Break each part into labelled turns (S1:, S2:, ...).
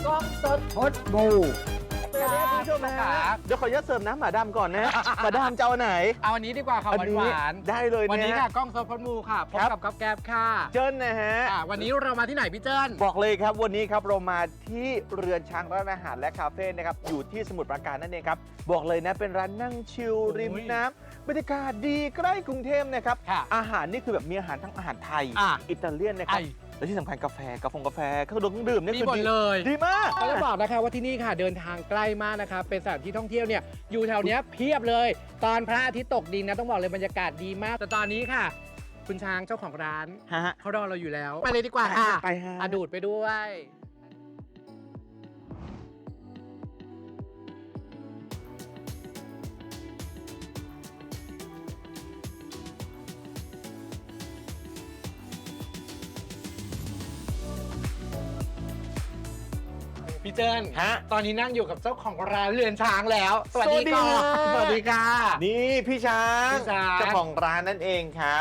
S1: กล้องสด
S2: พดบู
S1: คุณผู้ชมนะครับ
S3: เดี๋ยวขออนุญาตเสิร์ฟน้ำหมาดำก่อนนะ หมาดำจะเอาไหน
S1: เอาอันนี้ดีกว่าค่ะ
S3: อันนี้
S1: หวาน
S3: ได้เลย
S1: ๆวันนี้
S3: นะ
S1: ค่ะกล้องสดพดมูค่ะพบ
S3: ครับ
S1: กับก๊อฟแก๊บค่ะ
S3: เจิ้นนะฮะ
S1: วันนี้เรามาที่ไหนพี่เจิ้น
S3: บอกเลยครับวันนี้ครับเรามาที่เรือนช้างร้านอาหารและคาเฟ่นะครับอยู่ที่สมุทรปราการนั่นเองครับบอกเลยนะเป็นร้านนั่งชิลริมน้ำบรรยากาศดีใกล้กรุงเทพนะครับ
S1: ค่ะ
S3: อาหารนี่คือแบบมีอาหารทั้งอาหารไทย
S1: อ่ะ
S3: อิตาเลียนนะครับ
S1: ไอ้
S3: และที่สำคัญกาแฟเครื่องดื่มนี่
S1: มี
S3: คือ
S1: หมดเลย
S3: ดีมาก
S1: ก็จะบอกนะคะว่าที่นี่ค่ะเดินทางใกล้มากนะคะเป็นสถานที่ท่องเที่ยวเนี่ยอยู่แถวเนี้ยเพียบเลย ตอนพระอาทิตย์ตกดินนะต้องบอกเลยบรรยากาศดีมากแต่ตอนนี้ค่ะ คุณช้างเจ้าของร้าน
S3: ฮะ
S1: เขารอเราอยู่แล้วไปเลยดีกว่าค่ะ
S3: ไปฮะ
S1: อะดูดไปด้วย พี่เจิ้น
S3: ฮะ
S1: ตอนนี้นั่งอยู่กับเจ้าของร้านเรือนช้างแล้ว สวัสดีค่ะ
S3: ส
S1: ส
S3: วั
S1: วั
S3: ส
S1: ส
S3: ดี
S1: ดี
S3: ค่ะ
S1: ค่ะ
S3: นี่พี่ช้าง
S1: พี่ช้าง
S3: เจ้าของร้านนั่นเองครับ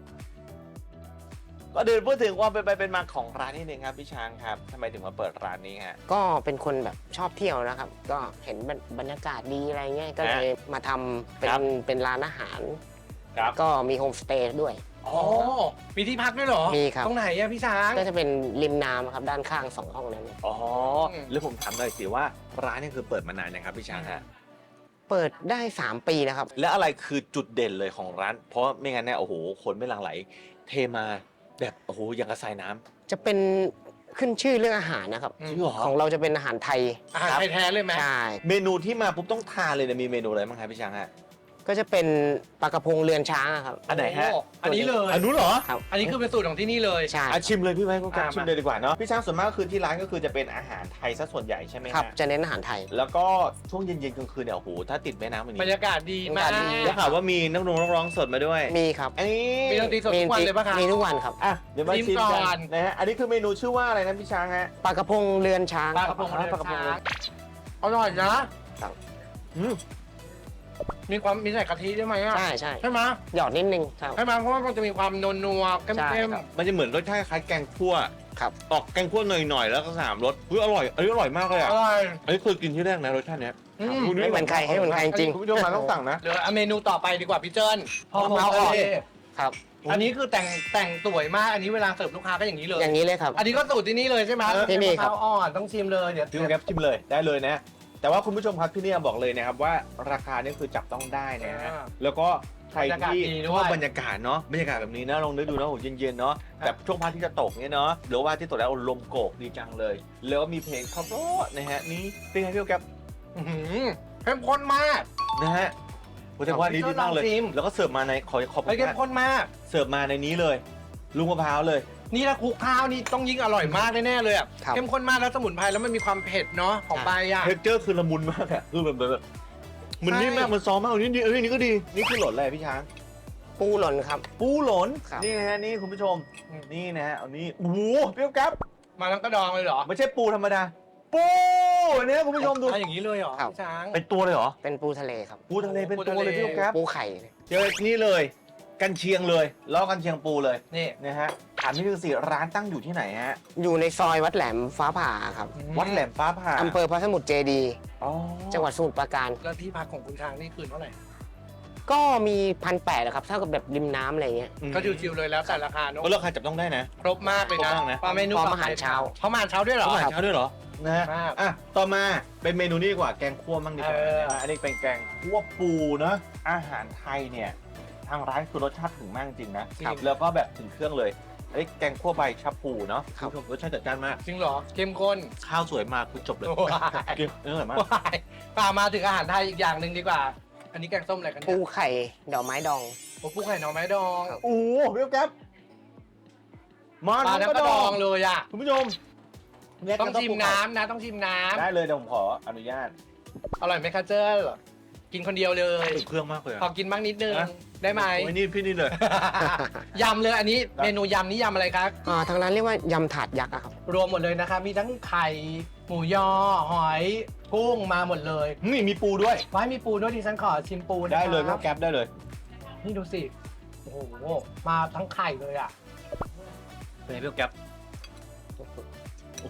S3: ก็เดินพูดถึงความเป็นไปเป็นมาของร้านนิดนึงครับพี่ช้างครับทำไมถึงมาเปิดร้านนี้ฮะ
S2: ก็เป็นคนแบบชอบเที่ยวนะครับ ก็เห็นบรรยากาศดีอะไรเงี้ยก็เลยมาทำเป็
S3: ครั
S2: น
S3: บ
S2: เป็นร้านอาหาร
S3: ครับ
S2: ก็มีโฮมสเตย์ด้วย
S1: อ๋อมีที่พักด้วยเหรอ
S2: มีครับ
S1: ตรงไหนอะพี่ช้าง
S2: ก็จะเป็นริมน้ำครับด้านข้าง2 ห้องนั้น
S3: อ๋อแล้วผมถามหน่อยสิว่าร้านนี่คือเปิดมานานนะครับพี่ช้างฮะ
S2: เปิดได้ 3 ปีแล้วครับ
S3: แล้วอะไรคือจุดเด่นเลยของร้าน เพราะไม่งั้นเนี่ยโอ้โหคนไม่หลั่งไหล เทมาแบบโอ้โหอย่างกระสายน้ำ
S2: จะเป็นขึ้นชื่อเรื่องอาหารนะครับ
S1: อืม
S3: จริงเหรอ
S2: ของเราจะเป็นอาหารไทย
S1: อาหารไทยแท้เลยไหม
S2: ใช่
S3: เมนูที่มาปุ๊บต้องทานเลยเนี่ยมีเมนูอะไรบ้างครับพี่ช้างฮะ
S2: ก็จะเป็นปลากระพงเรือนช้างอะครับ
S3: อันไหนฮะ
S1: โอันนี้เลย
S3: อันนู้นเหรอ
S2: ครับ
S1: อันนี้คือเป็นสูตรของที่นี่เลย
S2: ใช่
S3: อ่ะชิมเลยพี่ไว้ก็กลับ
S1: อ่ะ
S3: ชิมเลยดีกว่าเนาะพี่ช้างส่วนมากก็คือที่ร้านก็คือจะเป็นอาหารไทยซะส่วนใหญ่ใช่ไหม
S2: ครับ
S3: ฮะ
S2: จะเน้นอาหารไทย
S3: แล้วก็ช่วงเย็นๆกลางคืนเนี่ยโอ้โหถ้าติดแม่น้ำอย่าง
S1: บรร
S3: นี้
S1: ยากาศดีมาก
S2: บรรยากาศดี
S3: แล้วข่าวว่ามีนักร้องสดมาด้วย
S2: มีครับ
S3: อันนี้
S1: มีดนตรีสดทุกวันเลยปะคะ
S2: มีทุกวันครับ
S3: อ่ะเดี๋ยวมา
S1: ชิม
S3: ชิม
S1: ก่
S3: กั
S1: อน
S3: นนะฮะอันนี้คือเมนูชื่อว่าอะไรนะพี่ช้างฮะ
S2: ปลากระพงเรือนช้าง
S1: ปลากระพง
S3: อ๋อ
S1: เรือน
S3: ปลากระพง
S1: ช้างอร่อยนะครับ
S3: อืม
S1: มีใส่กะทิด้วยไหมอ่ะ
S2: ใช่ใช่
S1: ใช่ไหม
S2: หยอดนิดนึงครับ
S1: ใช่ไหมเพราะว่ามันจะมีความนัวๆ
S2: ใช่
S1: เข้ม
S2: ครับ
S3: มันจะเหมือนรสชาติคล้ายแกงคั่ว
S2: ครับ
S3: ออกแกงคั่วหน่อยๆแล้วก็3 รสอร่อยอันนี้อร่อยมากเลย
S1: ๆ
S3: อ่ะ
S1: อร่อย
S3: อันนี้เคยกินที่แรกนะรสชาติเนี้ย
S1: อืม
S2: ไม่เหมือนใครให้เหมือนใครจริง
S3: คุณผู้ชมมาต้องสั่งนะ
S1: เหลือเมนูต่อไปดีกว่าพี่เจิ้น
S3: มะพร้าวอ่อน
S2: ครับ
S1: อันนี้คือแต่งสวยมาก อันนี้เวลาเสิร์ฟลูกค้าก็อย่างนี้เลย
S2: อย่างนี้เลยครับ
S1: อันนี้ก็สูตรที่นี่เลยใช่ไหม
S2: ที่นี่ครับ
S1: มะพร้าวอ่อนต้องชิมเลยเดี๋ยว
S3: พี่แก๊ปชิมเลยได้เลยนะ แต่ว่าคุณผู้ชมครับที่นี่บอกเลยนะครับว่าราคานี่คือจับต้องได้นะฮะแล้วก็ใครที่ชอบบรรยากาศเนาะบรรยากาศแบบนี้นะลองนึกดูนะโหเย็นๆเนาะแบบช่วงพระอาทิตย์จะตกเนี่ยเนาะหรือว่าที่ตกแล้วลมโกกดีจังเลย แล้วก็มีเพลงขับรถนะฮะนี่เป็นไงพี่แก๊ป
S1: อื้อหือเข้มข้นมาก
S3: นะฮะผมจะว่าดีมากเลย
S1: ลองชิม
S3: แล้วก็เสิร์ฟมาในขอบคุ
S1: เฮ้ย
S3: ณ
S1: เข้ม
S3: มาก
S1: ข้นมาก
S3: เสิร์ฟมาในนี้เลยลุงมะพร้าวเลย
S1: นี่ถ้าคลุกข้าวนี่ต้องยิ่งอร่อยมากแน่ๆเลยอ่ะ
S2: ครับ
S1: เข้มข้นมากแล้วสมุนไพรแล้วมันมีความเผ็ดเนาะของใบอ่ะ
S3: เท็กเจอร์คือละมุนมากอะคือแบบมัน
S1: ใช่
S3: นิ่มมากมันซอฟต์มากนี่ดีนี่ก็ดีนี่คือหล่นอะไรพี่ช้าง
S2: ปูหล่นครับ
S3: ปูหล่น
S2: ครับ
S3: นี่นะฮะนี่คุณผู้ชมนี่นะฮะเอานี่โอ้โหเปรี้ยวกับ
S1: มาทั้งกระดองเลยเหรอ
S3: ไม่ใช่ปูธรรมดาปูเนี่ยคุณผู้ชมดู
S1: อ่ะอย่างนี้เลยเหรอ
S2: ครับ
S1: พี่ช้าง
S3: เป็นตัวเลยเหรอ
S2: เป็นปูทะเลครับ
S3: ปูทะเลเป็นตัวเลยพี่ครับ
S2: ปูไข่
S3: เจอนี่เลยกันเชียงเลยล้อกันเชียงปูเลย
S1: นี่
S3: นะฮะถามนิดนึงสิร้านตั้งอยู่ที่ไหนฮะ
S2: อยู่ในซอยวัดแหลมฟ้าผ่าครับ
S3: วัดแหลมฟ้าผ่า
S2: อำเภอพระสมุทรเจดีย์
S3: อ๋อ
S2: จังหวัดสมุทรปราการ
S1: แล้วที่พักของคุณช้างนี่คืนเท่าไหร่
S2: ก็มี1,800นะครับเท่ากับแบบริมน้ำอะไรเงี้ย
S1: ก็ชิวๆเลยแล้วแต่ราคาเนอะ
S3: ก็ราคาจับต้องได้นะ
S1: ครบมากเลย
S3: คร
S1: นะ
S3: บมากนะ
S1: ปลาเมนู
S2: พร้อม
S1: ต่
S2: อาหารเช้า
S1: พร้อมอาหารเช้าด้วยเหรอ
S3: อาหารเช้าด้วยเหรอนะฮะ
S1: มาก
S3: อ่ะต่อมาเป็นเมนูนี้ดีกว่าแกงคั่วมั่งดีกว่า
S1: เออ
S3: นะฮะอันนี้เป็นแกงคั่วปูเนอะอาหารไทยเนี่ยทางร้านคือรสชาติถึงมากจริงนะครับแล้วก็แบบถึงเครื่องเลยไอ้แกงคั่วใบชะพูเนาะ
S2: ครับ
S3: ณผู้ชมรสชาติจัดจ้านมาก
S1: จริงเหรอเข้มข้น
S3: ข้าวสวยมากคือจบเลย
S1: ว้าย
S3: กินอร่อยมาก
S1: ว้ายป่ามาถึงอาหารไทยอีกอย่างหนึ่งดีกว่า อันนี้แกงส้มอะไรกัน
S2: ปู
S1: เนี่ย
S2: ไข่ดอกไม้ดอง
S1: โอ้ปูไข่หน่อไม้ดอง
S2: ครับ
S3: โอ้โหเรียบแก๊บมา
S1: ปลา
S3: ทั้ง
S1: ทั้ง
S3: ก
S1: ก
S3: ระ
S1: ระ
S3: ด
S1: ด
S3: อ
S1: อง งเลยอ่ะ
S3: คุณผู้ชมเนี่ย
S1: ต้องชิม
S3: กระ
S1: น้ำนะต้องชิมน้
S3: ได้เลยเดี๋ยวผมขออนุญาต
S1: ำอร่อยไหมคะเจ้ากินคนเดียวเลย
S3: ถึงเครื่องมากเลย
S1: ขอกินบ้างนิดนึง
S3: นะ
S1: ได้ไหม
S3: โอ้ยนี่พี่นี่เลย
S1: ยำเลยอันนี้เมนูยำนี่ยำอะไรครับ
S2: ทางร้านเรียกว่ายำถาดยักษ์อะครับ
S1: รวมหมดเลยนะคะมีทั้งไข่หมูยอหอยกุ้งมาหมดเลย
S3: นี่มีปูด้วย
S1: ไว้มีปูด้วยดิฉันขอชิมปูนะ
S3: ได้เลย
S1: ค
S3: ค
S1: รั
S3: รั
S1: บบ
S3: แก๊บได้เลย
S1: นี่ดูสิโอ้โหมาทั้งไข่เลยอ่ะ
S3: เป็นไงพี่แก๊บโอ้โห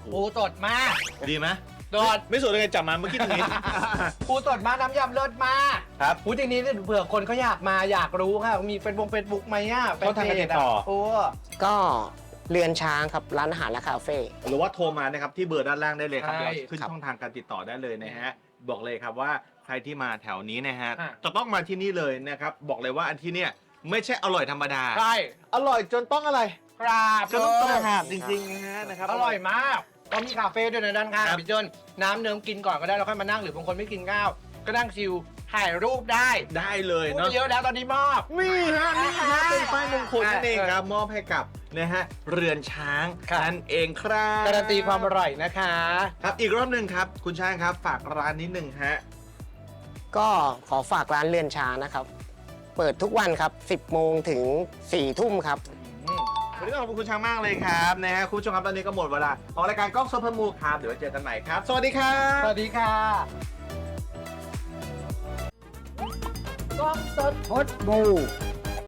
S3: โห
S1: ปูสดมาก
S3: ดีไหม
S1: สด
S3: ไม่สดเลยจับมาเมื่อกี้ตรงนี้
S1: ปูสดมากน้ำยำเลิศมาก
S3: ครับ
S1: พูดจริงนี้เผื่อคนเขาอยากมาอยากรู้ค่ะมีเป็นเฟซบุ๊กไหมอ่ะ
S3: ช่องทางการติดต่อ
S1: โอ้
S2: ก็เรือนช้างครับร้านอาหารและคาเฟ่
S3: หรือว่าโทรมานะครับที่เบอร์ด้านล่างได้เลยครับ
S1: ใช่
S3: เดี๋ยวขึ้นช่องทางการติดต่อได้เลยนะฮะบอกเลยครับว่าใครที่มาแถวนี้นะฮะ
S1: อ่ะ
S3: จะต้องมาที่นี่เลยนะครับบอกเลยว่าอันที่เนี่ยไม่ใช่อร่อยธรรมดา
S1: ใช่
S3: อร่อยจนต้องอะไร
S1: กราบ
S3: จนต้อง
S1: เลย
S3: กราบจริงๆนะฮะนะครับ
S1: อร่อยมากก็มีคาเฟ่ด้วยในด้านข้าง
S3: ครับ
S1: พี่เจิ้นน้ำเนิ้มกินก่อนก็ได้แล้วค่อยมานั่งหรือบางคนไม่กินข้าวก็นั่งชิลถ่ายรูปได้
S3: ได้เลย
S1: พูด
S3: เนาะ
S1: ไปเยอะแล้วตอนนี้มอบ
S3: นี่ฮะนี่ฮะเป็นป้ายมงคลนั่นเองครับมอบให้กับนะฮะเรือนช้าง
S1: ครับ
S3: นั่นเองครับ
S1: การันตีความอร่อยนะคะ
S3: ครับอีกรอบหนึ่งครับคุณช้างครับฝากร้านนิดหนึ่งฮะ
S2: ก็ขอฝากร้านเรือนช้างนะครับ เปิดทุกวันครับ 10 โมงถึง 4 ทุ่มครับ
S3: วันนี้ต้องขอบคุณคุณช้างมากเลยครับนะฮะคุณผู้ชมครับตอนนี้ก็หมดเวลาของรายการกล้องโซเฟอร์มูครับเดี๋ยวไว้เจอกันใหม่ครับ สวัสดีครับ
S1: สวัสดีค่ะกล้องสด
S2: พดบู